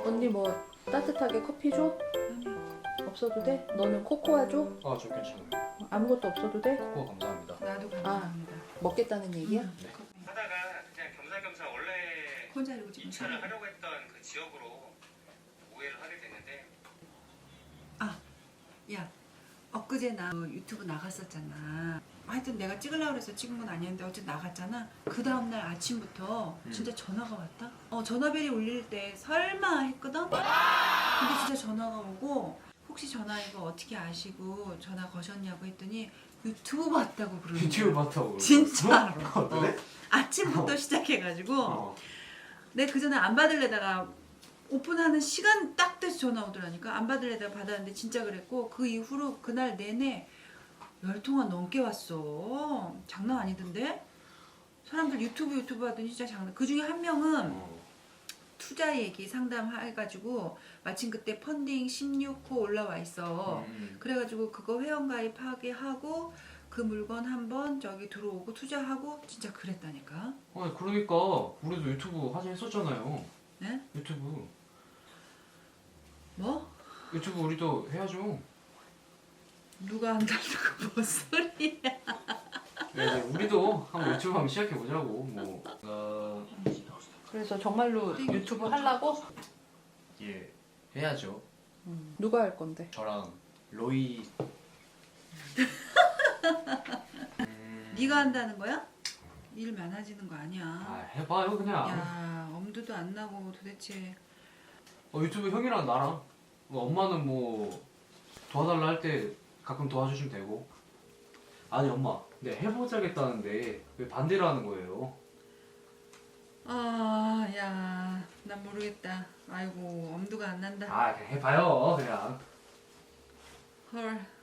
언니 뭐 따뜻하게 커피 줘? 없어도 돼? 너는 코코아 줘? 아, 저 괜찮아요. 아무것도 없어도 돼? 코코아 감사합니다. 나도 감사합니다. 먹겠다는 얘기야? 하다가 그냥 겸사겸사 원래 혼자 이러고 지금 입찰을 하려고 했던 그 지역으로 오해를 하게 됐는데 야, 엊그제 나 유튜브 나갔었잖아. 하여튼 내가 찍으려고 해서 찍은 건 아니었는데 어쨌든 나갔잖아. 그 다음날 아침부터 진짜 전화가 왔다. 전화벨이 울릴 때 설마 했거든? 근데 진짜 전화가 오고 혹시 전화 이거 어떻게 아시고 전화 거셨냐고 했더니 유튜브 봤다고 그러는 거야. 유튜브 봤다고. 진짜로. 그래? 아침부터 시작해가지고 어. 내가 그 전에 안 받을래다가 오픈하는 시간 딱 돼서 전화 오더라니까. 안 받을래다가 받았는데 진짜 그랬고 그 이후로 그날 내내 10통화 넘게 왔어. 장난 아니던데? 사람들 유튜브 하더니 진짜 장난. 그 중에 한 명은 투자 얘기 상담해가지고 마침 그때 펀딩 16호 올라와 있어. 그래가지고 그거 회원가입하게 하고 그 물건 한번 저기 들어오고 투자하고 진짜 그랬다니까. 아니 그러니까 우리도 유튜브 하자 했었잖아요. 네? 유튜브 뭐? 우리도 해야죠. 누가 한다고 뭔 소리야? 네, 우리도 한번 유튜브 한번 시작해 보자고. 뭐 그래서 정말로 유튜브 하려고? 예, 해야죠. 누가 할 건데? 저랑 로이. 네가 한다는 거야? 일 많아지는 거 아니야. 아, 해봐요 그냥. 야, 엄두도 안 나고 도대체. 유튜브 형이랑 나랑 엄마는 뭐 도와달라 할 때 가끔 도와주시면 되고. 아니 엄마, 네 해보자겠다는데 왜 반대를 하는 거예요? 아, 야, 난 모르겠다. 아이고, 엄두가 안 난다. 아 그냥 해봐요 그냥. 헐.